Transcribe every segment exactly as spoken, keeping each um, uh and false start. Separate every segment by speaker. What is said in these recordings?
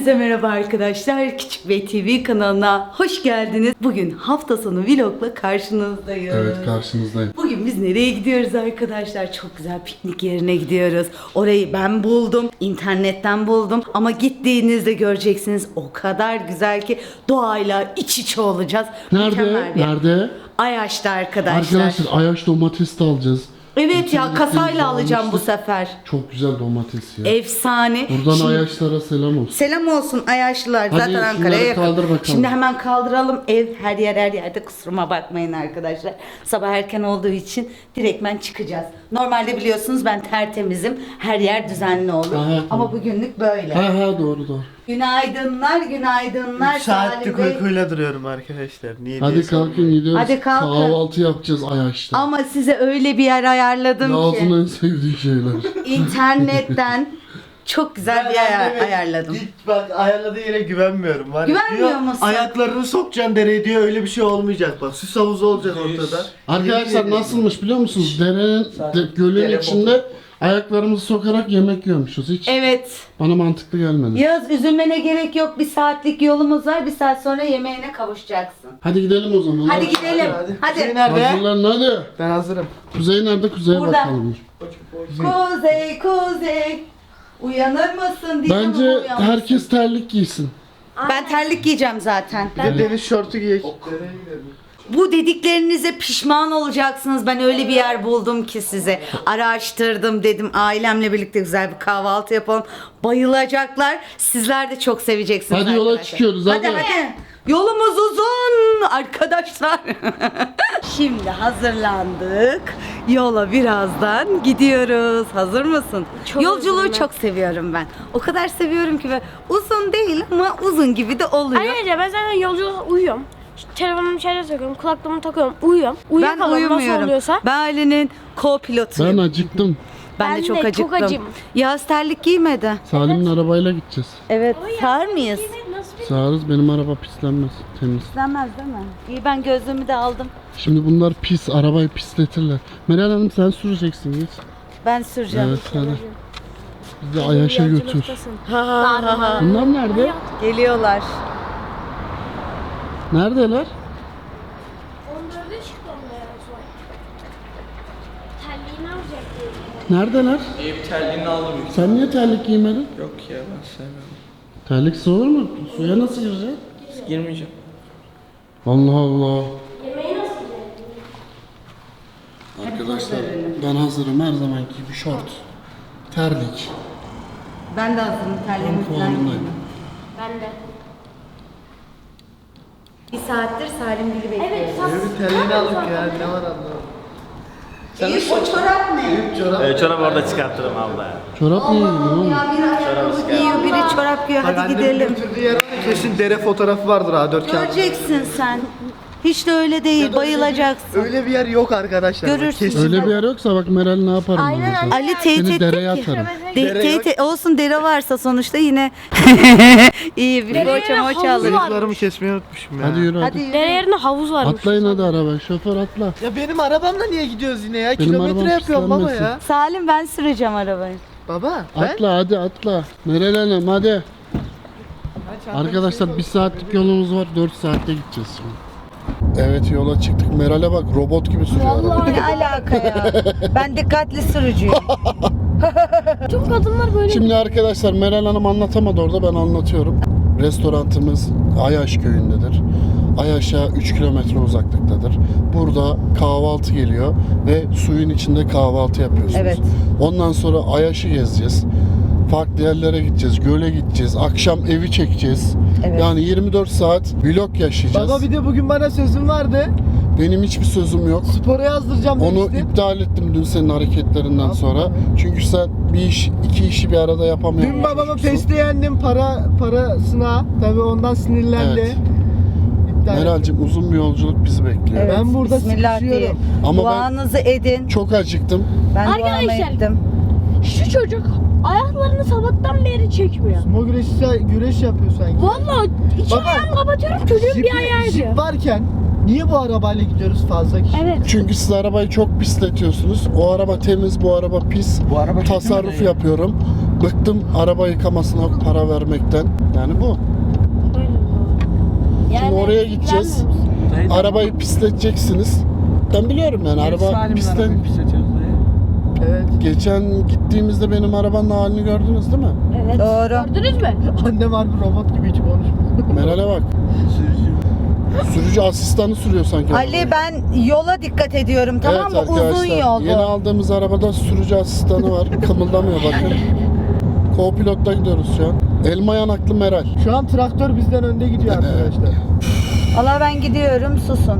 Speaker 1: Hepinize merhaba arkadaşlar. Küçük Bey T V kanalına hoş geldiniz. Bugün hafta sonu vlogla karşınızdayız.
Speaker 2: Evet, karşınızdayım.
Speaker 1: Bugün biz nereye gidiyoruz arkadaşlar? Çok güzel piknik yerine gidiyoruz. Orayı ben buldum. İnternetten buldum. Ama gittiğinizde göreceksiniz o kadar güzel ki doğayla iç içe olacağız.
Speaker 2: Nerede?
Speaker 1: Mükemmel bir yer.
Speaker 2: Nerede?
Speaker 1: Ayaş'ta arkadaşlar.
Speaker 2: Arkadaşlar Ayaş domates de alacağız.
Speaker 1: Evet ya,
Speaker 2: Geçen
Speaker 1: kasayla
Speaker 2: gittiğimizde
Speaker 1: alacağım bu
Speaker 2: almıştık.
Speaker 1: sefer.
Speaker 2: Çok güzel domates ya.
Speaker 1: Efsane.
Speaker 2: Buradan
Speaker 1: Şimdi-
Speaker 2: Ayaşlara selam olsun.
Speaker 1: Selam olsun Ayaşlılar.
Speaker 2: Hadi
Speaker 1: Zaten
Speaker 2: şunları
Speaker 1: Ankara'ya yakın.
Speaker 2: kaldır bakalım.
Speaker 1: Şimdi hemen kaldıralım. Ev her yer her yerde, kusuruma bakmayın arkadaşlar. Sabah erken olduğu için direktmen çıkacağız. Normalde biliyorsunuz ben tertemizim. Her yer düzenli olur.
Speaker 2: Aha,
Speaker 1: Ama bugünlük böyle.
Speaker 2: Ha ha doğru doğru.
Speaker 1: Günaydınlar, günaydınlar.
Speaker 3: üç saatlik
Speaker 1: Salim Bey.
Speaker 3: uykuyla duruyorum arkadaşlar. Niye
Speaker 2: Hadi
Speaker 3: diye
Speaker 2: kalkın gidiyoruz.
Speaker 1: Hadi kalkın.
Speaker 2: Kahvaltı yapacağız Ayaş'ta.
Speaker 1: Ama size öyle bir yer ayarladım
Speaker 2: Yağız'ın
Speaker 1: ki.
Speaker 2: en sevdiği şeyler.
Speaker 1: İnternetten çok güzel bir yer
Speaker 3: anneme
Speaker 1: ayarladım.
Speaker 3: Git bak, ayarladığı yere güvenmiyorum. Var ya,
Speaker 1: Güvenmiyor
Speaker 3: diyor,
Speaker 1: musun?
Speaker 3: Ayaklarını sokacaksın dereye diyor, öyle bir şey olmayacak bak. Süs havuzu olacak ortada.
Speaker 2: Arkadaşlar nasılmış biliyor musunuz? Derenin, de, gölün içinde ayaklarımızı sokarak yemek yiyormuşuz. Hiç
Speaker 1: Evet.
Speaker 2: bana mantıklı gelmedi.
Speaker 1: Yağız, üzülmene gerek yok. Bir saatlik yolumuz var. Bir saat sonra yemeğine kavuşacaksın.
Speaker 2: Hadi gidelim o zaman.
Speaker 1: Hadi gidelim. Hadi.
Speaker 3: Kuzey nerede?
Speaker 2: Hazırlan hadi.
Speaker 3: Ben hazırım.
Speaker 2: Kuzey nerede? Kuzey'e
Speaker 1: Burada.
Speaker 2: bakalım.
Speaker 1: Kuzey, kuzey. Uyanır mısın diye
Speaker 2: Bence
Speaker 1: mi uyanmışsın?
Speaker 2: herkes terlik giysin.
Speaker 1: Ben terlik giyeceğim zaten.
Speaker 3: Bir de deniz şortu giyek.
Speaker 1: Bu dediklerinize pişman olacaksınız. Ben öyle bir yer buldum ki size. Araştırdım, dedim ailemle birlikte güzel bir kahvaltı yapalım. Bayılacaklar. Sizler de çok seveceksiniz.
Speaker 2: Hadi yola
Speaker 1: arkadaşlar.
Speaker 2: çıkıyoruz,
Speaker 1: Hadi
Speaker 2: hadi.
Speaker 1: hadi. Yolumuz uzun arkadaşlar. Şimdi hazırlandık. Yola birazdan gidiyoruz. Hazır mısın?
Speaker 4: Çok
Speaker 1: Yolculuğu
Speaker 4: hazırım ben.
Speaker 1: çok seviyorum ben. O kadar seviyorum ki, ve uzun değil ama uzun gibi de oluyor.
Speaker 4: Ayrıca ben zaten yolculukta uyuyorum. İşte telefonumu içeride takıyorum, kulaklığımı takıyorum, uyuyorum.
Speaker 1: Ben
Speaker 4: Uyuyakalıyorum nasıl
Speaker 1: uyumuyorum.
Speaker 4: oluyorsa.
Speaker 1: Ben ailenin co-pilotuyum.
Speaker 2: Ben acıktım.
Speaker 1: Ben,
Speaker 4: Ben
Speaker 1: de çok
Speaker 4: de çok
Speaker 1: acıktım.
Speaker 4: acım.
Speaker 1: Yağız terlik giymedi.
Speaker 2: Salim'in arabayla gideceğiz.
Speaker 1: Evet. Sağır mıyız?
Speaker 4: Nasıl bir...
Speaker 2: Sağırız, benim araba pislenmez. Temiz.
Speaker 1: İstemez değil mi? İyi, ben gözlüğümü de aldım.
Speaker 2: Şimdi bunlar pis, arabayı pisletirler. Meral Hanım sen süreceksin git.
Speaker 1: Ben süreceğim.
Speaker 2: Evet hadi. Bizi Ayaş'a götür.
Speaker 4: Yolculuktasın.
Speaker 1: Ha ha ha ha.
Speaker 2: Bunlar nerede?
Speaker 1: Geliyorlar.
Speaker 2: Neredeler?
Speaker 4: on dörde çıktı onda ya sonra. Terliğini alacak diye.
Speaker 2: Neredeler?
Speaker 5: Eyüp terliğini aldım.
Speaker 2: Sen niye terlik giymedin?
Speaker 5: Yok ya, ben sevmiyorum.
Speaker 2: Terliksiz olur mu? Suya nasıl gireceksin?
Speaker 5: Girmeyeceğim.
Speaker 2: Allah Allah.
Speaker 4: Yemeği nasıl yiyecek?
Speaker 2: Arkadaşlar ben hazırım, her zamanki gibi şort. Terlik.
Speaker 1: Ben de hazırım, terliğimi falan
Speaker 2: Kıvamındayım.
Speaker 1: giydim.
Speaker 4: Ben de.
Speaker 1: Bir saattir Salim Gül'ü bekliyoruz.
Speaker 4: Evet, sas.
Speaker 3: Bir terliğini aldık ya, ne var anlamadım.
Speaker 1: Eyüp, o çorap ne?
Speaker 3: Çorap.
Speaker 5: Ee, çorabı orada çıkartırım abla.
Speaker 2: Çorap niye giydin oğlum?
Speaker 1: Ya biri ayakkabı giyiyor, biri çorap giyiyor.
Speaker 3: Bak,
Speaker 1: Hadi
Speaker 3: annemin
Speaker 1: gidelim.
Speaker 3: götürdüğü yer var ya, kesin dere fotoğrafı vardır A dört kağıt.
Speaker 1: Göreceksin sen. Hiç de öyle değil, bayılacaksın.
Speaker 3: Öyle bir yer yok arkadaşlar. Bak,
Speaker 1: Görürsün.
Speaker 3: kesin.
Speaker 2: Öyle bir yer yoksa bak Meral ne yaparım ben
Speaker 4: Aynen,
Speaker 2: sana.
Speaker 1: Ali teyit
Speaker 2: Seni
Speaker 1: etti
Speaker 2: dereye
Speaker 1: ki.
Speaker 2: atarım.
Speaker 1: De,
Speaker 3: Dere
Speaker 1: teyit
Speaker 3: yok.
Speaker 1: olsun, dere varsa sonuçta yine iyi bir
Speaker 4: Dereye
Speaker 1: boça moça
Speaker 4: havuzu
Speaker 1: alırız.
Speaker 4: var.
Speaker 3: Bıyıklarımı kesmeyi unutmuşum ya.
Speaker 2: Hadi yürü hadi.
Speaker 1: Hadi yürü.
Speaker 4: Dere yerine havuz varmış.
Speaker 2: Atlayın hadi araba, şoför atla.
Speaker 3: Ya benim arabamla niye gidiyoruz yine ya?
Speaker 2: Benim arabam
Speaker 3: Kilometre yapıyorum baba
Speaker 2: pislenmesin.
Speaker 3: ya.
Speaker 1: Salim, ben süreceğim arabayı.
Speaker 3: Baba ben.
Speaker 2: Atla hadi atla. Meral Hanım hadi. Arkadaşlar bir saatlik yolumuz var, dört saatte gideceğiz şimdi. Evet yola çıktık. Meral'e bak, robot gibi sürüyor arabayı.
Speaker 1: Ne alaka ya? Ben dikkatli sürücüyüm.
Speaker 4: Tüm kadınlar böyle.
Speaker 2: Şimdi arkadaşlar Meral Hanım anlatamadı orada, ben anlatıyorum. Restorantımız Ayaş köyündedir. Ayaş'a üç kilometre uzaklıktadır. Burada kahvaltı geliyor ve suyun içinde kahvaltı yapıyorsunuz.
Speaker 1: Evet.
Speaker 2: Ondan sonra Ayaş'ı gezeceğiz. Farklı yerlere gideceğiz, göle gideceğiz, akşam evi çekeceğiz.
Speaker 1: Evet.
Speaker 2: Yani yirmi dört saat vlog yaşayacağız.
Speaker 3: Baba bir de bugün bana sözün vardı.
Speaker 2: Benim hiçbir sözüm yok.
Speaker 3: Spora yazdıracağım
Speaker 2: Onu
Speaker 3: demiştin.
Speaker 2: iptal ettim dün senin hareketlerinden
Speaker 3: Yapma
Speaker 2: sonra.
Speaker 3: ya.
Speaker 2: Çünkü sen bir iş, iki işi bir arada yapamıyorsun.
Speaker 3: Dün babamı peste yendim para parasına. Tabii ondan sinirlendi.
Speaker 2: Evet.
Speaker 3: İptal ettim.
Speaker 2: Meral'cim uzun bir yolculuk bizi bekliyor.
Speaker 1: Evet,
Speaker 3: Ben burada
Speaker 1: Bismillah
Speaker 3: sıkışıyorum.
Speaker 1: diye.
Speaker 2: Ama ben-
Speaker 1: Duanızı edin.
Speaker 2: Çok acıktım.
Speaker 1: Ben duamı
Speaker 4: Arkadaşlar,
Speaker 1: ettim.
Speaker 4: Şu çocuk ayaklarını sabahtan beri çekmiyor.
Speaker 3: Sumo güreşi güreş yapıyor sanki.
Speaker 4: Vallahi iki
Speaker 3: Baba,
Speaker 4: ayağımı kapatıyorum, çocuğun bir
Speaker 3: Jipi-
Speaker 4: ayağı
Speaker 3: jip
Speaker 4: gidiyor.
Speaker 3: varken niye bu arabayla gidiyoruz fazla kişi?
Speaker 4: Evet.
Speaker 2: Çünkü siz arabayı çok pisletiyorsunuz. O araba temiz, bu araba pis.
Speaker 3: Bu araba kötü mü
Speaker 2: Tasarruf
Speaker 3: dayı?
Speaker 2: yapıyorum. Bıktım araba yıkamasına para vermekten. Yani bu. Şimdi oraya gideceğiz. Arabayı pisleteceksiniz. Ben biliyorum yani araba pislen.
Speaker 3: Evet.
Speaker 2: Geçen gittiğimizde benim arabanın halini gördünüz değil mi?
Speaker 4: Evet.
Speaker 1: Doğru.
Speaker 4: Gördünüz mü?
Speaker 3: Annem harbi robot gibi hiç konuşmuyor.
Speaker 2: Meral'e bak. Sürücü asistanı sürüyor sanki.
Speaker 1: Ali
Speaker 2: arabayı.
Speaker 1: ben yola dikkat ediyorum tamam
Speaker 2: Evet
Speaker 1: mı? Uzun
Speaker 2: arkadaşlar,
Speaker 1: yol
Speaker 2: yeni
Speaker 1: bu.
Speaker 2: aldığımız arabada sürücü asistanı var. Kımıldamıyor bakın. Co-pilot'ta gidiyoruz şu an. Elma yanaklı Meral.
Speaker 3: Şu an traktör bizden önde gidiyor arkadaşlar.
Speaker 1: Allah ben gidiyorum susun.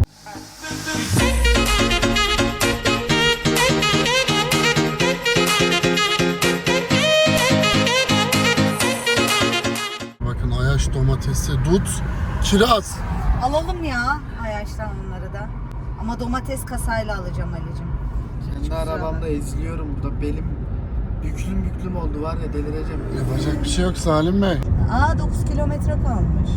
Speaker 2: Bakın Ayaş domatesi, dut, kiraz.
Speaker 1: Alalım ya Ayaş'tan onları da. Ama domates kasayla alacağım Ali'cim.
Speaker 3: Kendi arabamda eziliyorum burada. Belim büklüm büklüm oldu var ya delireceğim.
Speaker 2: Yapacak bir şey yok Salim Bey.
Speaker 1: Aa dokuz kilometre kalmış.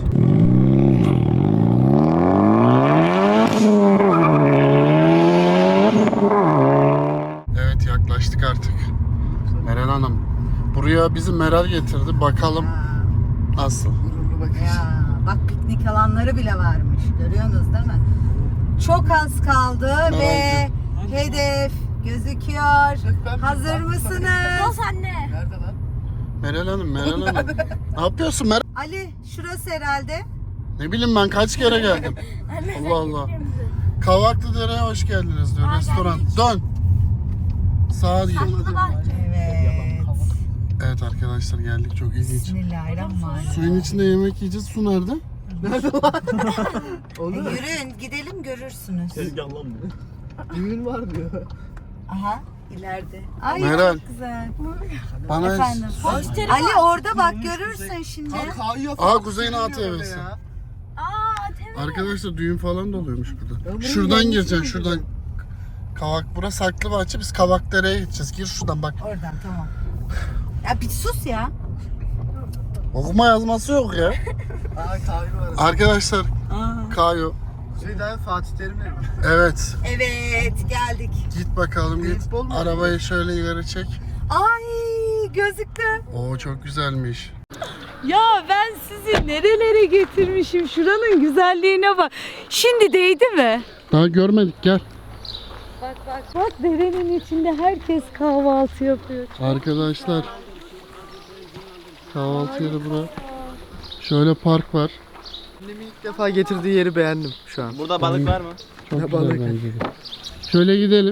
Speaker 2: Evet yaklaştık artık. Meral Hanım. Buraya bizi Meral getirdi. Bakalım nasıl.
Speaker 3: Gururlu bakış.
Speaker 1: Ya bak piknik alanları bile varmış. Görüyorsunuz değil mi? Çok az kaldı ve hedef gözüküyor. Hazır mısınız?
Speaker 4: Bas anne.
Speaker 3: Nerede lan?
Speaker 2: Meral Hanım, Meral Hanım. Ne yapıyorsun Meral?
Speaker 1: Ali şurası herhalde.
Speaker 2: Ne bileyim ben kaç kere geldim. Allah Allah. Kavaklıdere'ye hoş geldiniz diyor restoran. Dön. Sağa gir.
Speaker 1: Evet.
Speaker 2: Evet arkadaşlar geldik çok ilginç.
Speaker 1: Bismillahirrahmanirrahim.
Speaker 2: Suyun içinde yemek yiyeceğiz. Su nerede?
Speaker 3: Nerede lan? Olur.
Speaker 1: Yürüyün gidelim görürsünüz.
Speaker 3: Düğün var diyor.
Speaker 1: Aha ileride. Ay
Speaker 2: Meral.
Speaker 1: çok güzel.
Speaker 2: Bana
Speaker 1: Efendim. Ali orada bak görürsün şimdi.
Speaker 3: Kayıyor.
Speaker 2: Aa Kuzey'in A T V'si.
Speaker 3: Ya.
Speaker 4: Aa temiz.
Speaker 2: Arkadaşlar düğün falan da oluyormuş burada.
Speaker 3: burayı
Speaker 2: Şuradan
Speaker 3: yanlış
Speaker 2: gireceksin
Speaker 3: mı
Speaker 2: şuradan. Kavak burası Saklıbahçe, biz Kavakdere'ye gideceğiz. Gir şuradan bak.
Speaker 1: Oradan tamam. Ya bir sus ya.
Speaker 2: Okuma yazması yok ya.
Speaker 3: Aa kahve var.
Speaker 2: Arkadaşlar Kayo.
Speaker 3: Kuzey'den Fatih Terim'le mi?
Speaker 2: Evet.
Speaker 1: Evet geldik.
Speaker 2: Git bakalım git.
Speaker 3: Paintball mu?
Speaker 2: Arabayı şöyle ileri çek.
Speaker 1: Ay gözüktü.
Speaker 2: Oo çok güzelmiş.
Speaker 1: Ya ben sizi nerelere getirmişim. Şuranın güzelliğine bak. Şimdi değdi mi?
Speaker 2: Daha görmedik gel.
Speaker 1: Bak bak bak derenin içinde herkes kahvaltı yapıyor.
Speaker 2: Arkadaşlar. Kahvaltı yeri bura. Şöyle park var.
Speaker 3: Annemin ilk defa getirdiği yeri beğendim şu an.
Speaker 5: Burada balık var mı?
Speaker 2: Çok
Speaker 3: Ne
Speaker 2: güzel
Speaker 3: balık?
Speaker 2: bence de. Şöyle gidelim.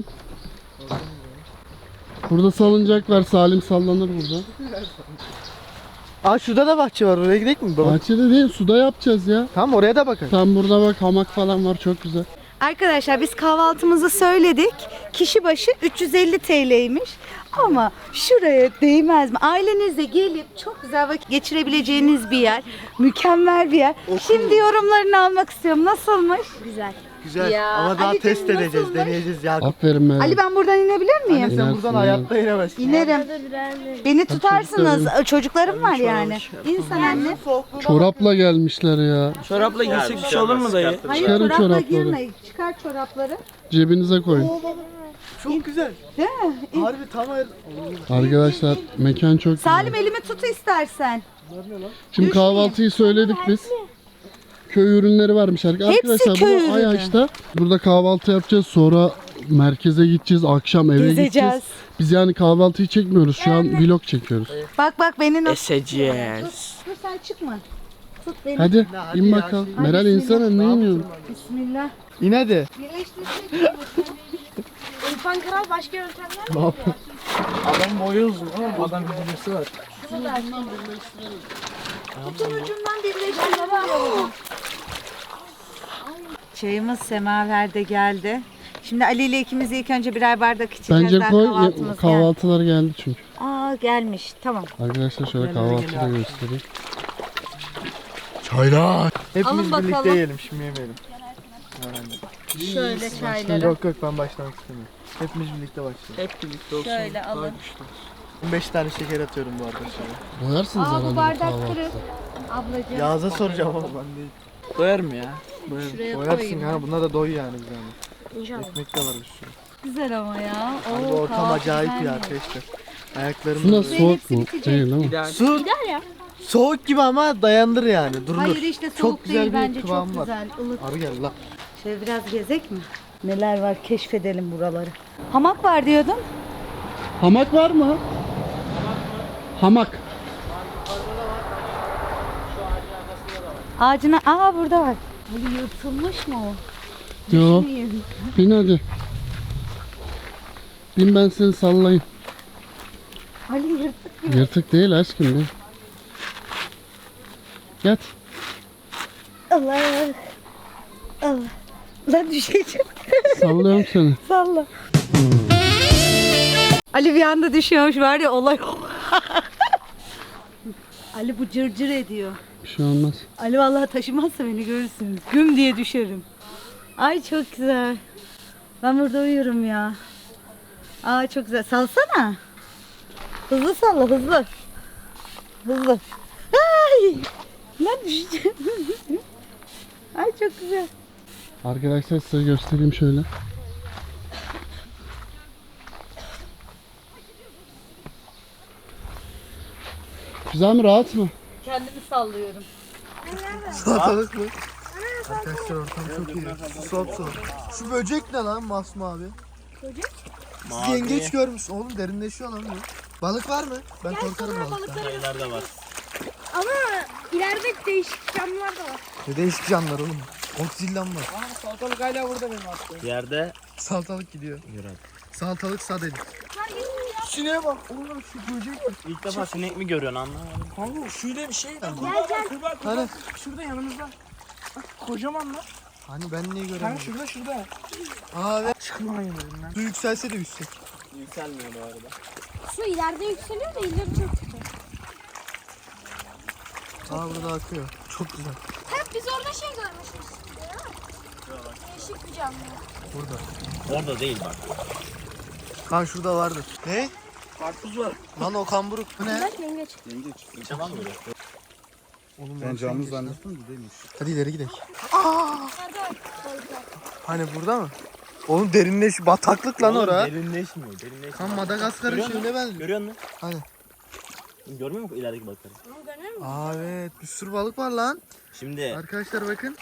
Speaker 2: Burada salıncak var. Salim sallanır burada.
Speaker 3: Aa şurada da bahçe var. Oraya gidelim mi baba?
Speaker 2: Bahçede değil, suda yapacağız ya.
Speaker 3: Tamam oraya da bakın.
Speaker 2: Tam burada bak hamak falan var, çok güzel.
Speaker 1: Arkadaşlar biz kahvaltımızı söyledik. Kişi başı üç yüz elli T L'ymiş. Ama şuraya değmez mi? Ailenizle gelip çok güzel vakit geçirebileceğiniz bir yer. Mükemmel bir yer. Şimdi yorumlarını almak istiyorum. Nasılmış?
Speaker 4: Güzel.
Speaker 3: Güzel.
Speaker 1: Ya,
Speaker 3: Ama daha
Speaker 1: Ali
Speaker 3: test
Speaker 1: canım,
Speaker 3: edeceğiz,
Speaker 1: nasılmış?
Speaker 3: deneyeceğiz ya.
Speaker 2: Aferin Meral.
Speaker 1: Ali ben buradan inebilir miyim?
Speaker 3: Anne sen
Speaker 2: İnersin,
Speaker 3: buradan
Speaker 2: iner.
Speaker 3: hayatta inemezsin.
Speaker 1: İnerim. Beni tutarsınız.
Speaker 2: çocuklarım.
Speaker 1: Çocuklarım var yani. İnsan anne.
Speaker 2: Çorapla gelmişler ya.
Speaker 5: Çorapla giysek bir şey olur mu dayı?
Speaker 1: Hayır
Speaker 2: Çıkarın
Speaker 1: çorapla
Speaker 2: çorapları.
Speaker 1: girme. Çıkar çorapları.
Speaker 2: Cebinize koyun.
Speaker 3: Çok güzel.
Speaker 1: Değil mi?
Speaker 3: Harbi tam her...
Speaker 2: Arkadaşlar mekan çok güzel.
Speaker 1: Salim elimi tut istersen.
Speaker 2: Şimdi kahvaltıyı söyledik biz. Köy ürünleri varmış arkadaşlar.
Speaker 1: köy
Speaker 2: Bu
Speaker 1: ürünü.
Speaker 2: Ayaş'ta. Burada kahvaltı yapacağız. Sonra merkeze gideceğiz. Akşam eve
Speaker 1: Gezeceğiz.
Speaker 2: gideceğiz. Biz yani kahvaltıyı çekmiyoruz. Şu an vlog çekiyoruz.
Speaker 1: Bak bak beni nasıl...
Speaker 5: Eseceğiz.
Speaker 1: Dur sen çıkma. Tut beni.
Speaker 2: Hadi
Speaker 3: hadi
Speaker 2: in
Speaker 3: ya,
Speaker 2: bakalım.
Speaker 3: şey-
Speaker 2: Meral insana ne iniyorsun?
Speaker 1: Bismillah.
Speaker 3: İn hadi.
Speaker 1: Birleştirsek
Speaker 4: İrfan Kral başka yöntemler mi?
Speaker 3: Ne yapıyorsun? Adam boyu uzun ama adam videosu var.
Speaker 1: Tutun ucundan birleştirelim. Çayımız semaverde geldi. Şimdi Ali ile ikimiz ilk önce birer bardak içeceğiz.
Speaker 2: Bence
Speaker 1: Daha
Speaker 2: koy.
Speaker 1: kahvaltımız geldi.
Speaker 2: Kahvaltılar geldi çünkü.
Speaker 1: Aa gelmiş. Tamam.
Speaker 2: Arkadaşlar şöyle kahvaltıyı da göstereyim. Çaylar.
Speaker 3: Hepimiz
Speaker 1: Alın
Speaker 3: birlikte
Speaker 1: bakalım.
Speaker 3: yiyelim şimdi yemeyelim.
Speaker 1: Şöyle çayları.
Speaker 3: Yok yok ben başlamak istemiyorum. Hepimiz birlikte başlayalım.
Speaker 5: Hep birlikte olsun.
Speaker 1: Şöyle alın.
Speaker 3: on beş tane şeker atıyorum bu arada şöyle.
Speaker 2: Doyarsınız
Speaker 1: Aa bu
Speaker 2: herhalde bu
Speaker 1: bardak
Speaker 2: kahvaltıda.
Speaker 1: kırık. Ablacığım.
Speaker 3: Yağız'a soracağım ama ben değil.
Speaker 5: Doyar mı ya?
Speaker 1: Şuraya
Speaker 3: Doyarsın
Speaker 1: koyayım.
Speaker 3: ha, buna da doy yani bir zahmet.
Speaker 4: İnşallah.
Speaker 3: Ekmek de var bir sürü.
Speaker 1: Güzel ama ya.
Speaker 3: Harbi
Speaker 1: Oo,
Speaker 3: ortam
Speaker 1: kahvaltı
Speaker 3: acayip
Speaker 1: güzel
Speaker 3: ya
Speaker 1: mi?
Speaker 3: arkadaşlar. Ayaklarım
Speaker 2: Su
Speaker 3: da
Speaker 2: nasıl
Speaker 3: böyle.
Speaker 2: soğuk mu?
Speaker 1: bitecek.
Speaker 2: Değil ama.
Speaker 5: İdeal.
Speaker 3: Su
Speaker 4: Gider ya.
Speaker 3: soğuk gibi ama dayandır yani. Durulur.
Speaker 1: Hayır işte soğuk
Speaker 3: Çok güzel
Speaker 1: değil
Speaker 3: bir
Speaker 1: bence,
Speaker 3: kıvamı
Speaker 1: çok
Speaker 3: var.
Speaker 1: güzel. Ilık.
Speaker 3: Arı gel lan.
Speaker 1: Şöyle biraz gezek mi? Neler var keşfedelim buraları. Hamak var diyordun.
Speaker 2: Hamak var mı? Hamak.
Speaker 1: Ağacına, aa burada var. Ali yırtılmış mı o?
Speaker 2: Yo.
Speaker 1: Düşmeyeyim.
Speaker 2: Bin hadi. Bin ben seni sallayayım.
Speaker 1: Ali yırtık gibi.
Speaker 2: Yırtık değil aşkım be. Yat.
Speaker 1: Allah. Allah. Lan düşeceğim.
Speaker 2: Sallıyorum seni.
Speaker 1: Salla. Ali bir anda düşüyormuş var ya olay. Ali bu cırcır ediyor.
Speaker 2: Bir şey olmaz.
Speaker 1: Ali vallahi taşımazsa beni görürsünüz. Güm diye düşerim. Ay çok güzel. Ben burada uyuyorum ya. Aa çok güzel. Salsana. Hızlı salla hızlı. Hızlı. Ay! Lan düşeceğim. Ay çok güzel.
Speaker 2: Arkadaşlar size göstereyim şöyle. Güzel mi, rahat mı?
Speaker 1: Kendimi sallıyorum.
Speaker 3: Salatalık mı? Arkadaşlar ortam çok iyi. Sop sop. Şu böcek ne lan masmavi? Böcek? Siz yengeç görmüş. Oğlum derinleşiyor lan bu. Balık var mı? Ben korkarım balıktan.
Speaker 6: Sayılarda var.
Speaker 4: Ama ileride değişik camlar da var.
Speaker 3: Ne değişik canlılar oğlum. Godzilla'm var.
Speaker 5: Salatalık hala burada benim attığım.
Speaker 6: Yerde
Speaker 3: Salatalık gidiyor.
Speaker 6: Yürü.
Speaker 3: Salatalık sadeli. Sineğe bak. Oğlum şu böcek mi?
Speaker 6: İlk defa sinek mi görüyorsun anlamadım.
Speaker 5: Kanka şöyle bir şey var.
Speaker 4: Gel gel.
Speaker 5: Kurbağa, kurbağa.
Speaker 3: Hani?
Speaker 5: Şurada yanımızda. Bak kocaman lan.
Speaker 3: Hani ben niye
Speaker 5: Kanka
Speaker 3: göremiyorum?
Speaker 5: şurada şurada.
Speaker 3: Aa evet.
Speaker 5: Çıkma yanımdan.
Speaker 3: Su yükselse de yüksek.
Speaker 6: Yükselmiyor bu arada.
Speaker 4: Su ileride yükseliyor da ileri çok kötü.
Speaker 3: Aa burada akıyor. Çok güzel.
Speaker 4: Hep biz orada şey görmüşüz. Değişik bir canlı.
Speaker 3: Burada.
Speaker 6: Orada değil bak.
Speaker 3: Kan şurada vardır. Ne?
Speaker 5: Karpuz var.
Speaker 3: Lan o kamburuk. Bu ne?
Speaker 4: Bak yengeç.
Speaker 6: İlçe var mı böyle?
Speaker 3: Oğlum
Speaker 2: Ben canlı zannettim de değilmiş.
Speaker 3: Hadi ileri gidelim.
Speaker 4: Nerede var? Balıklar.
Speaker 3: Hani burada mı? Oğlum derinleş bataklık lan
Speaker 6: Oğlum
Speaker 3: ora.
Speaker 6: Derinleşmiyor. Derinleşmiyor.
Speaker 3: Kan Madagaskar'ın
Speaker 6: Görüyor musun?
Speaker 3: şeyine benziyor.
Speaker 6: Görüyor musun?
Speaker 3: Hani?
Speaker 6: Görmüyor musun ilerideki balıkları?
Speaker 4: Bunu görüyor musun?
Speaker 3: Aa evet bir sürü balık var lan.
Speaker 6: Şimdi
Speaker 3: Arkadaşlar bakın.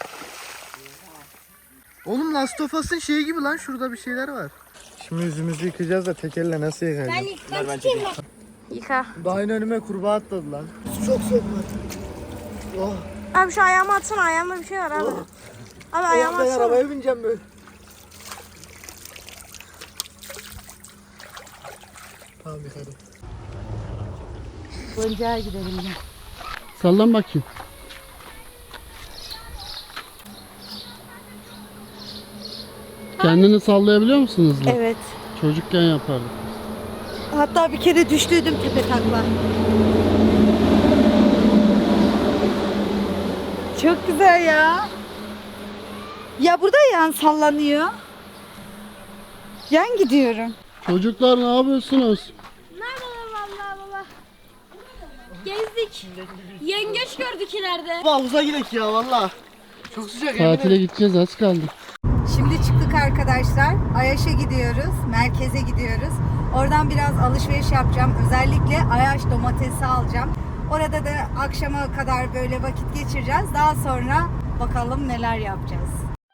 Speaker 3: Oğlum Last of Us'ın şeyi gibi lan şurada bir şeyler var. Şimdi yüzümüzü yıkayacağız da tek elle nasıl yıkayacağız?
Speaker 4: Ben
Speaker 6: ver ben
Speaker 4: yıkmak
Speaker 6: çekeyim.
Speaker 4: Yıka.
Speaker 3: Daha yine önüme kurbağa atladı lan. Su çok soğuk lan. Oh.
Speaker 4: Abi şu ayağımı atsana, ayağımda bir şey var abi. Abi ayağımı
Speaker 3: Oh, ben
Speaker 4: atsana.
Speaker 3: arabaya bineceğim böyle. Tamam yıkadım.
Speaker 1: Boncağa gidelim ya.
Speaker 2: Sallan bakayım. Kendini sallayabiliyor musunuz?
Speaker 1: Evet.
Speaker 2: Çocukken yapardık.
Speaker 1: Hatta bir kere düştüydüm tepe takla. Çok güzel ya. Ya burada yan sallanıyor. Yan gidiyorum.
Speaker 2: Çocuklar ne yapıyorsunuz?
Speaker 4: Merhaba vallahi baba. Gezdik. Yengeç gördük ileride.
Speaker 3: Havuza gidelim ya valla. Çok sıcak
Speaker 2: Tatile gideceğiz, az kaldı.
Speaker 1: Şimdi çıktık arkadaşlar. Ayaş'a gidiyoruz. Merkeze gidiyoruz. Oradan biraz alışveriş yapacağım. Özellikle Ayaş domatesi alacağım. Orada da akşama kadar böyle vakit geçireceğiz. Daha sonra bakalım neler yapacağız.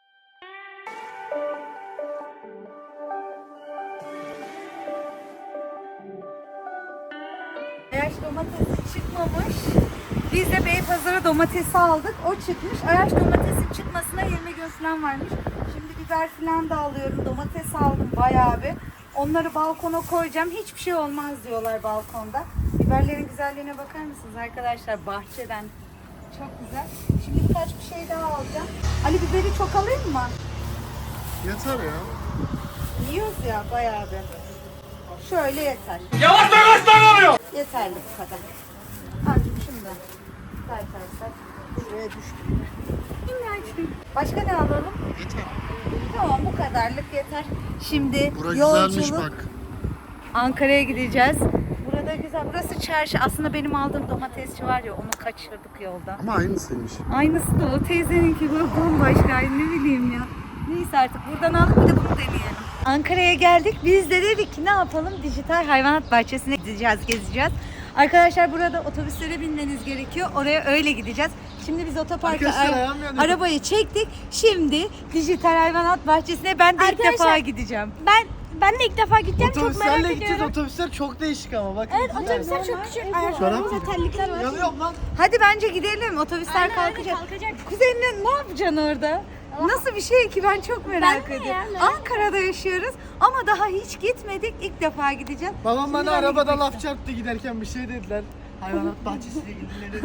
Speaker 1: Ayaş domatesi çıkmamış. Biz de Beypazarı domatesi aldık. O çıkmış. Ayaş domatesi çıkmasına yirmi gün falan varmış. Şimdi biber falan da alıyorum. Domates aldım bayağı bir. Onları balkona koyacağım. Hiçbir şey olmaz diyorlar balkonda. Biberlerin güzelliğine bakar mısınız arkadaşlar? Bahçeden. Çok güzel. Şimdi birkaç bir şey daha alacağım. Ali biberi çok alayım mı?
Speaker 3: Yeter ya.
Speaker 1: Yiyoruz ya bayağı bir. Şöyle yeter. Yavaş yavaş davranıyor. Yeterli bu kadar. Artık şimdi. Say say say. Şuraya düştüm. Başka ne alalım?
Speaker 3: Yeter.
Speaker 1: Tamam bu kadarlık yeter. Şimdi
Speaker 2: Bura
Speaker 1: yolculuk.
Speaker 2: güzelmiş bak.
Speaker 1: Ankara'ya gideceğiz. Burada güzel. Burası çarşı. Aslında benim aldığım domatesçi var ya onu kaçırdık yolda.
Speaker 2: Ama aynısıymış.
Speaker 1: Aynısı da o teyzeninki böyle bambaşka. Ay ne bileyim ya. Neyse artık buradan aldık, bir de bunu deneyelim. Ankara'ya geldik. Biz de dedik ki ne yapalım? Dijital hayvanat bahçesine gideceğiz, gezeceğiz. Arkadaşlar burada otobüslere binmeniz gerekiyor. Oraya öyle gideceğiz. Şimdi biz otoparka
Speaker 3: Arkadaşlar,
Speaker 1: ara-
Speaker 3: ayağım yanıyor.
Speaker 1: arabayı çektik. Şimdi dijital hayvanat bahçesine ben de ilk
Speaker 4: Arkadaşlar,
Speaker 1: defa gideceğim.
Speaker 4: Ben ben de ilk defa gideceğim. Çok merak
Speaker 3: Otobüslerle gideceğiz.
Speaker 4: ediyorum.
Speaker 3: Otobüsler çok değişik ama bak.
Speaker 4: Evet, otobüsler çok küçük. Ayaklarımızda terlikler var.
Speaker 3: Yanıyorum lan.
Speaker 1: Hadi bence gidelim. Otobüsler
Speaker 4: Aynen, aynen,
Speaker 1: kalkacak.
Speaker 4: kalkacak.
Speaker 1: Kuzenine ne yapacaksın orada? Nasıl bir şey ki, ben çok merak
Speaker 4: Ben de
Speaker 1: ediyorum.
Speaker 4: ya, merak
Speaker 1: Ankara'da yaşıyoruz ama daha hiç gitmedik. İlk defa gideceğim.
Speaker 3: Babam
Speaker 1: Şimdi
Speaker 3: bana
Speaker 1: ben de
Speaker 3: arabada
Speaker 1: gitmek
Speaker 3: laf çarptı giderken, bir şey dediler. Hayvanat bahçesine gidilir.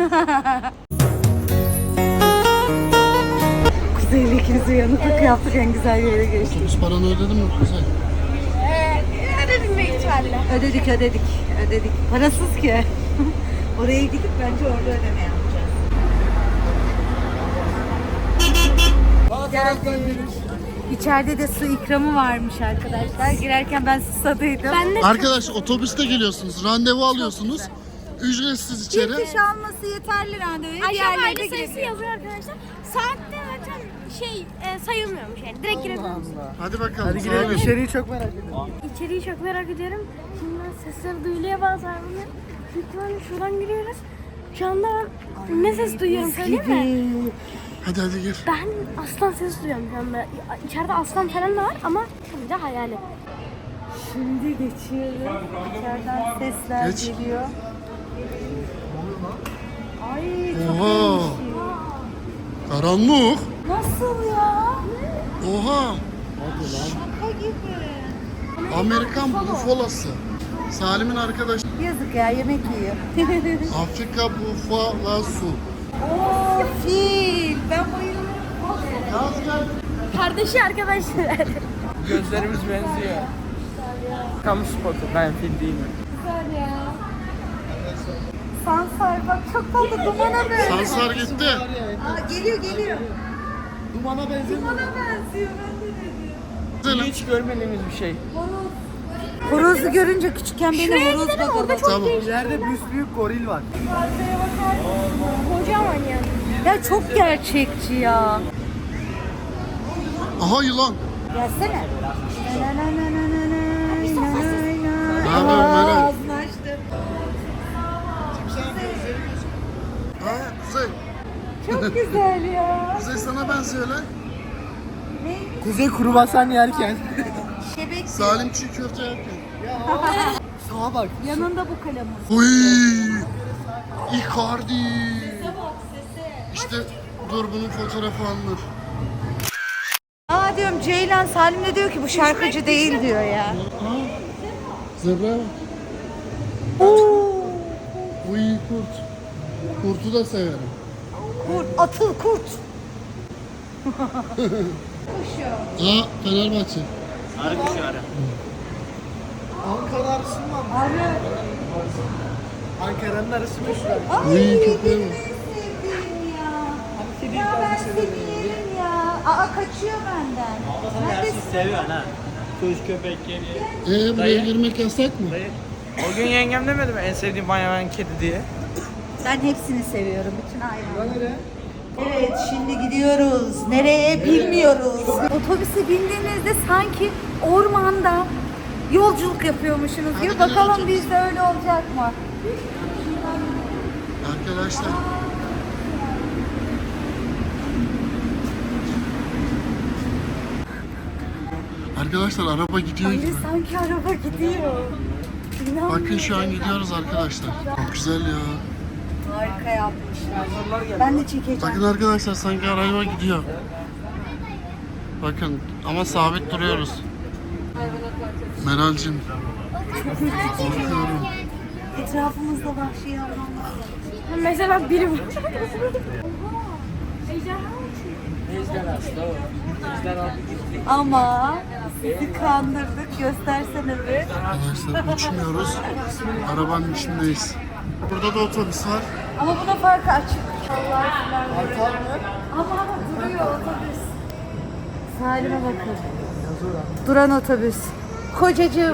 Speaker 1: Kuzey'le ikimiz uyanıklık yaptık, en güzel yere geçtik.
Speaker 2: Otobüs paranı ödedin mi Kuzey?
Speaker 4: Ee, ödedim büyük ihtimalle.
Speaker 1: Ödedik ödedik ödedik. Parasız ki. Oraya gidip bence orada ödeme yapacağız. Geldik. İçeride de su ikramı varmış arkadaşlar. Girerken ben susadıydım.
Speaker 4: Ben de
Speaker 2: Arkadaş otobüste geliyorsunuz. Randevu alıyorsunuz. Ücretsiz içeri.
Speaker 1: Bir kişi alması yeterli randevuya.
Speaker 4: Aşağı
Speaker 1: Diğerleri de
Speaker 4: aile sayısı
Speaker 1: girebiliyor.
Speaker 4: yazıyor arkadaşlar. Saatte zaten şey e, sayılmıyormuş yani. Direkt girebiliyorsun.
Speaker 2: Hadi bakalım.
Speaker 3: Hadi girelim.
Speaker 2: Abi.
Speaker 3: İçeriği çok merak ediyorum.
Speaker 4: İçeriği çok merak ediyorum. Şimdi sesler duyuluyor bazı hayvanlar. Büyük ihtimalle şuradan giriyoruz. Şu anda ben ne ses duyuyorum söyleyeyim mi?
Speaker 2: Hadi hadi gir.
Speaker 4: Ben aslan sesi duyuyorum şu anda. İçeride aslan falan da var ama tabii de hayali.
Speaker 1: Şimdi geçiyorum. İçeriden sesler
Speaker 2: Geç.
Speaker 1: geliyor. Ay çok
Speaker 2: Oha.
Speaker 1: değişik.
Speaker 2: Karanlık.
Speaker 1: Nasıl ya?
Speaker 2: Oha.
Speaker 1: Şaka gibi.
Speaker 2: Amerikan bufolası. Salim'in arkadaşı.
Speaker 1: Yazık ya, yemek yiyor.
Speaker 2: Afrika bufolası.
Speaker 1: Oo fil. Ben bayılıyorum.
Speaker 2: Yaz gel.
Speaker 4: Kardeşi arkadaşlar.
Speaker 5: Gözlerimiz benziyor. Kamu spotu. Ben fil değilim.
Speaker 1: Güzel ya. Sansar bak, çok tatlı, dumana benziyor.
Speaker 2: Sansar gitti.
Speaker 1: Aa, geliyor geliyor.
Speaker 3: Dumana benziyor.
Speaker 1: Dumana benziyor, ben de dedim.
Speaker 5: Hiç görmediğimiz bir şey.
Speaker 1: Horozu görünce küçükken beni horoz bakalım.
Speaker 2: Tamam.
Speaker 3: İleride büyük goril var.
Speaker 4: Kocaman yani.
Speaker 1: Ya çok gerçekçi ya.
Speaker 2: Aha yılan.
Speaker 1: Gelsene.
Speaker 2: Ne yapıyorsun Meral?
Speaker 1: Ağzını açtı.
Speaker 2: Ha Kuzey.
Speaker 1: Çok güzel ya.
Speaker 2: Kuzey sana benziyor lan.
Speaker 3: Kuzey kruvasan yerken.
Speaker 1: Şebek.
Speaker 2: Salim çiğ köfte yapıyor.
Speaker 3: Sağa bak.
Speaker 1: Yanında bu kalemiz.
Speaker 2: Uy. Icardi. İşte dur bunun fotoğrafı alınır.
Speaker 1: Aa diyorum, Ceylan Salim de diyor ki bu şarkıcı değil diyor ya.
Speaker 2: Aa, zebra. Uy kurt. Kurtu da severim.
Speaker 1: Kurt, atıl kurt.
Speaker 2: Aa Fenerbahçe.
Speaker 6: Harbi şu ara.
Speaker 3: Ankara arısı mı var?
Speaker 1: Abi.
Speaker 3: Ankara'nın arısı meşhur.
Speaker 2: Uy köpeğe bak.
Speaker 1: Sevdiğim ya. Ya ben seni yerim ya. Aa kaçıyor benden. Neredesin?
Speaker 6: Seviyorsun ha. Kuş köpek geliyor.
Speaker 2: Ee buraya girmek yasak mı?
Speaker 5: O gün yengem demedi mi en sevdiğim hayvan kedi diye?
Speaker 1: Ben hepsini seviyorum, bütün hayvanları. Evet, şimdi gidiyoruz. Nereye bilmiyoruz. Otobüse bindiğinizde sanki ormanda yolculuk yapıyormuşsunuz gibi.
Speaker 2: Hadi
Speaker 1: Bakalım
Speaker 2: gidelim.
Speaker 1: bizde öyle olacak mı?
Speaker 2: Arkadaşlar. Arkadaşlar araba gidiyor
Speaker 1: Öyle
Speaker 2: gibi.
Speaker 1: sanki araba gidiyor. İnanmıyorum.
Speaker 2: Bakın şu an gidiyoruz arkadaşlar. Çok güzel ya.
Speaker 1: Harika yapmışlar. Ben de çekeceğim.
Speaker 2: Bakın arkadaşlar sanki araba gidiyor. Bakın ama sabit duruyoruz. Meral'cim. Korkuyorum.
Speaker 1: Etrafımızda vahşi hayvanlar var.
Speaker 4: Mesela biri bu.
Speaker 1: Ama sizi kandırdık. Göstersene bir.
Speaker 2: Arkadaşlar uçmuyoruz. Arabanın içindeyiz. Burada da otobüs var.
Speaker 1: Ama buna farkı açık. Ama duruyor otobüs. Salim'e bakın. Duran otobüs. Kocacığım.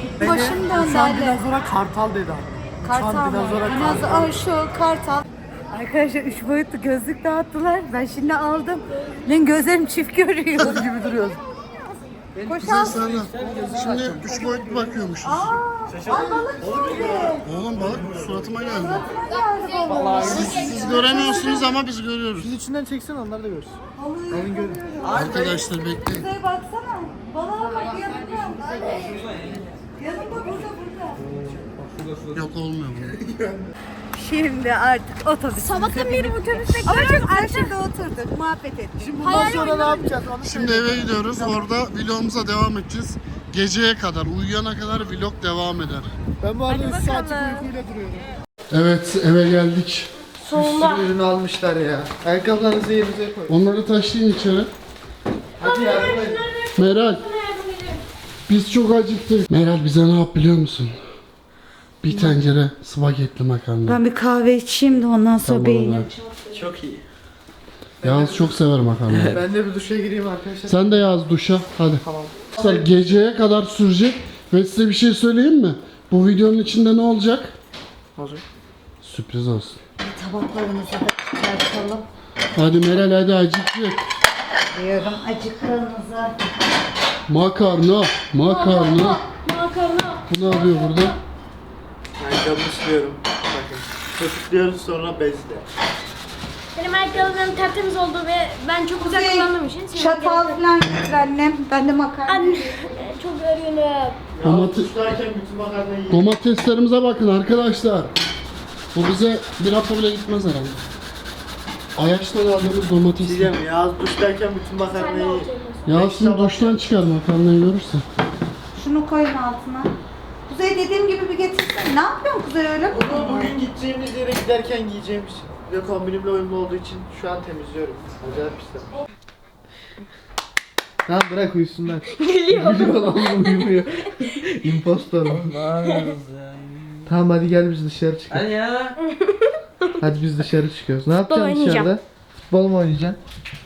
Speaker 1: Başım döndü
Speaker 3: Uçan
Speaker 1: Ali.
Speaker 3: dinozora kartal dedi abi. Uçan
Speaker 1: Kartal mı?
Speaker 3: dinozora
Speaker 1: Dinozor.
Speaker 3: kartal.
Speaker 1: Aa, şu kartal. Arkadaşlar üç boyutlu gözlük dağıttılar. Ben şimdi aldım. Lan gözlerim çift görüyor.
Speaker 2: gibi duruyoruz.
Speaker 1: Koşan.
Speaker 2: Sana. Şimdi üç boyutlu bakıyormuşuz.
Speaker 1: Ay balık gibi.
Speaker 2: Oğlum balık suratıma geldi.
Speaker 1: Geldi balık.
Speaker 2: Siz, siz göremiyorsunuz ama biz görüyoruz.
Speaker 3: Biz içinden çeksene onlar da görsün.
Speaker 1: Alın görüyorum.
Speaker 2: Arkadaşlar bekleyin.
Speaker 1: Kuzey baksana. Balığa bak yanında. Yanında burada burada.
Speaker 2: Yok olmuyor bu.
Speaker 1: Şimdi artık otobüs.
Speaker 4: Sabahtan beri otobüste
Speaker 1: Ama çok aşırıda oturduk, muhabbet ettik.
Speaker 3: Bundan sonra ne yapacağız onu
Speaker 2: Şimdi eve gidiyoruz. Orada vlogumuza devam edeceğiz. Geceye kadar, uyuyana kadar vlog devam eder.
Speaker 3: Ben bu arada üç saatlik uykuyla duruyorum.
Speaker 2: Evet, eve geldik.
Speaker 3: Sonunda. Bir sürü ürünü almışlar ya. Ayakkabılarınızı yerinize koyun.
Speaker 2: Onları taşıyın içeri.
Speaker 3: Hadi yardım edin.
Speaker 2: Meral, biz çok acıktık. Meral bize ne yap biliyor musun? Bir tencere spagetti makarna.
Speaker 1: Ben bir kahve içeyim de ondan sonra
Speaker 2: Tamam,
Speaker 1: beynim.
Speaker 2: evet.
Speaker 6: Çok iyi.
Speaker 2: Yağız çok sever makarnayı.
Speaker 3: Ben de bir duşa gireyim arkadaşlar.
Speaker 2: Sen de Yağız duşa, hadi.
Speaker 3: Tamam.
Speaker 2: Arkadaşlar geceye kadar sürecek ve size bir şey söyleyeyim mi? Bu videonun içinde ne olacak?
Speaker 3: Olacak.
Speaker 2: Sürpriz olsun.
Speaker 1: Tabaklarımızı da çıkartalım.
Speaker 2: Hadi Meral hadi acıktık.
Speaker 1: Diyorum acıktığımızı.
Speaker 2: Makarna, makarna.
Speaker 4: Makarna.
Speaker 2: Bu ne yapıyor burada?
Speaker 6: Ayakkabımı siliyorum. Bakın. Köpüklüyoruz sonra bezle.
Speaker 4: Benim ayakkabılarım tertemiz oldu ve ben çok güzel kullandığım için. senin
Speaker 1: Çatal
Speaker 4: gerek-
Speaker 1: falan getir annem. Ben de makarna.
Speaker 4: Anne çok örgünüm.
Speaker 2: Domates,
Speaker 6: Duştayken bütün makarnayı yiyin.
Speaker 2: domateslerimize bakın arkadaşlar. Bu bize bir hafta bile gitmez herhalde. Ayaçtan aldığımız domates.
Speaker 6: Diyeceğim Yağız duştayken bütün
Speaker 4: Sen de
Speaker 6: makarnayı yiyin.
Speaker 4: alacaksın.
Speaker 2: Ya şimdi duştan çıkar makarnayı görürsen.
Speaker 1: Şunu koyun altına. Kuzey dediğim gibi bir getirsene. Ne yapıyorsun Kuzey öyle?
Speaker 3: Bunu bugün gideceğimiz yere giderken giyeceğimiz ve kombinimle uyumlu olduğu için şu an temizliyorum. Acayip pisler. Tamam bırak uyusunlar. Geliyor. Geliyor lan uyumuyor. Impostor. Tamam hadi gel biz dışarı çıkalım.
Speaker 6: Hadi ya.
Speaker 3: Hadi biz dışarı çıkıyoruz. Ne yapacaksın
Speaker 4: oynayacağım.
Speaker 3: dışarıda? Futbol mu oynayacaksın?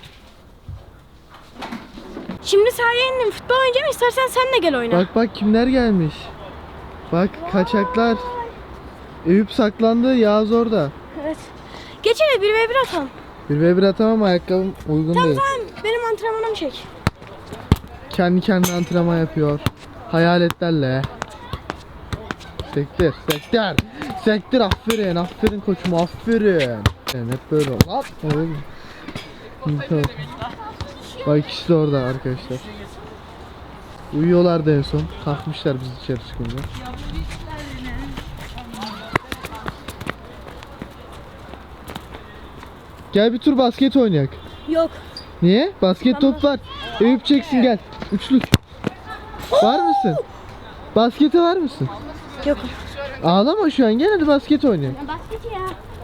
Speaker 4: Şimdi sahaya indim futbol oynayacağım, istersen sen de gel oyna.
Speaker 3: Bak bak kimler gelmiş. Bak kaçaklar. Eyüp saklandı, Yağız orada.
Speaker 4: Evet. Geç hele bir ve bir atalım.
Speaker 3: Bir ve bir atamam ayakkabım uygun
Speaker 4: Tamam
Speaker 3: değil.
Speaker 4: tamam benim antrenmanımı çek.
Speaker 3: Kendi kendine antrenman yapıyor. Hayaletlerle. Sektir, sektir. Sektir aferin, aferin koçum aferin. Yani hep böyle ol. Lan. Oğlum. Tamam. Bak ikisi de orada arkadaşlar. Uyuyorlardı en son. Kalkmışlar biz dışarı çıkınca. Gel bir tur basket oynayak.
Speaker 4: Yok.
Speaker 3: Niye? Basket top var. Eyüp çeksin gel. Üçlük. Var mısın? Baskete var mısın?
Speaker 4: Yok.
Speaker 3: Ağlama şu an gel hadi basket oynayalım.
Speaker 4: Basket ya.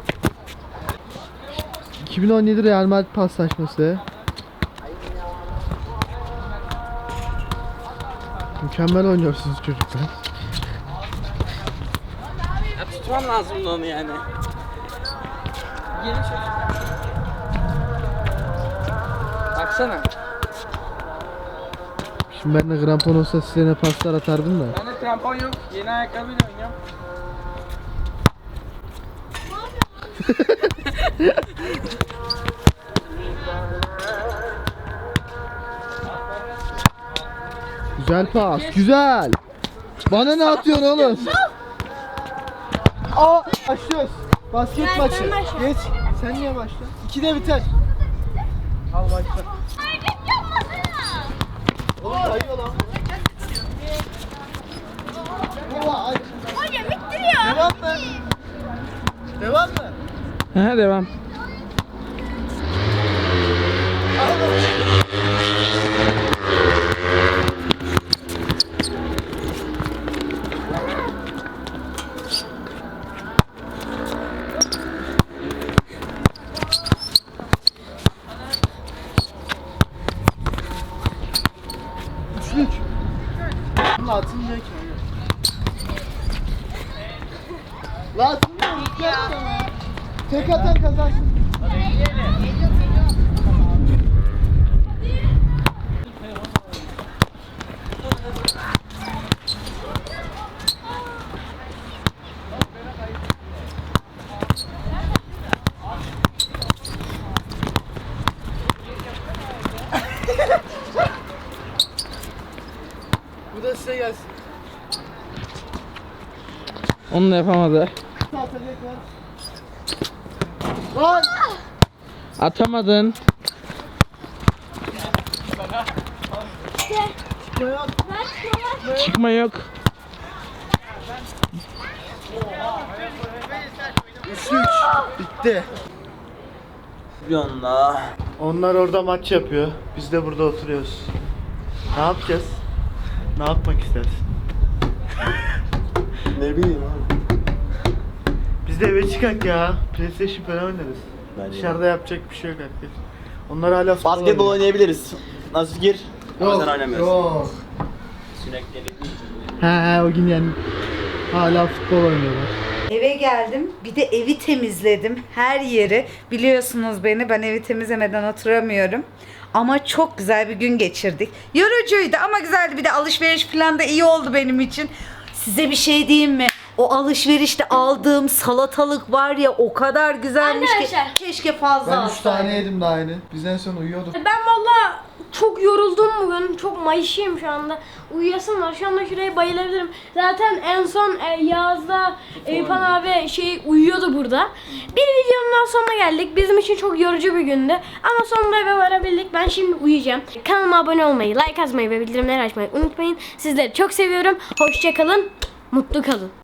Speaker 3: iki bin on yedi Real Madrid paslaşması. Mükemmel oynuyorsunuz çocuklar.
Speaker 5: Ya tutman lazımdı onu yani. Yeni çocuk. Baksana.
Speaker 3: Şimdi ben de krampon olsa size ne paslar atardım da.
Speaker 5: Bende krampon yok. Yeni ayakkabıyla oynuyorum.
Speaker 3: Güzel pas, güzel. Bana ne atıyorsun oğlum? Aa, başlıyoruz. Basket
Speaker 4: Ben-
Speaker 3: maçı.
Speaker 4: ben başlayayım.
Speaker 3: Geç. Sen niye başla? İkide biter. Al başla. Oğlum kayıyor lan. Baba, ay.
Speaker 4: Hocam ittiriyor.
Speaker 3: Devam mı? Devam mı?
Speaker 5: Ha devam.
Speaker 3: Üçlük. Bununla atılmıyor ki. La atılmıyor. Tek atan kazansın. Size gelsin.
Speaker 5: Onu da yapamadı.
Speaker 3: Lan!
Speaker 5: Atamadın. Çıkma yok.
Speaker 3: Üçlü üç. Bitti.
Speaker 5: Yonla.
Speaker 6: Onlar orada maç yapıyor. Biz de burada oturuyoruz. Ne yapacağız? Ne yapmak istersin?
Speaker 2: Ne bileyim abi.
Speaker 6: Biz de eve çıkak ya. PlayStation falan oynarız. Dışarıda yapacak bir şey yok artık. Onlar hala futbol
Speaker 7: Basketbol
Speaker 6: oynuyor.
Speaker 7: oynayabiliriz. Nasıl fikir? Ama sen oynamıyorsun.
Speaker 3: Yok.
Speaker 7: Sürekli.
Speaker 6: He he o gün yani. Hala futbol oynuyorlar.
Speaker 1: Eve geldim. Bir de evi temizledim. Her yeri. Biliyorsunuz beni. Ben evi temizlemeden oturamıyorum. Ama çok güzel bir gün geçirdik. Yorucuydu ama güzeldi. Bir de alışveriş falan da iyi oldu benim için. Size bir şey diyeyim mi? O alışverişte aldığım salatalık var ya o kadar güzelmiş
Speaker 4: Arkadaşlar.
Speaker 1: ki. Keşke fazla
Speaker 3: Ben üç
Speaker 1: alsaydım.
Speaker 3: tane yedim daha yeni. Biz en son uyuyorduk.
Speaker 4: Ben valla çok yoruldum bugün. Çok mayışıyım şu anda. Uyuyasım var. Şu anda şuraya bayılabilirim. Zaten en son e, Yağız'da Eyüpan abi şey uyuyordu burada. Bir videonun daha sonuna geldik. Bizim için çok yorucu bir gündü. Ama sonunda eve varabildik. Ben şimdi uyuyacağım. Kanalıma abone olmayı, like atmayı ve bildirimleri açmayı unutmayın. Sizleri çok seviyorum. Hoşça kalın. Mutlu kalın.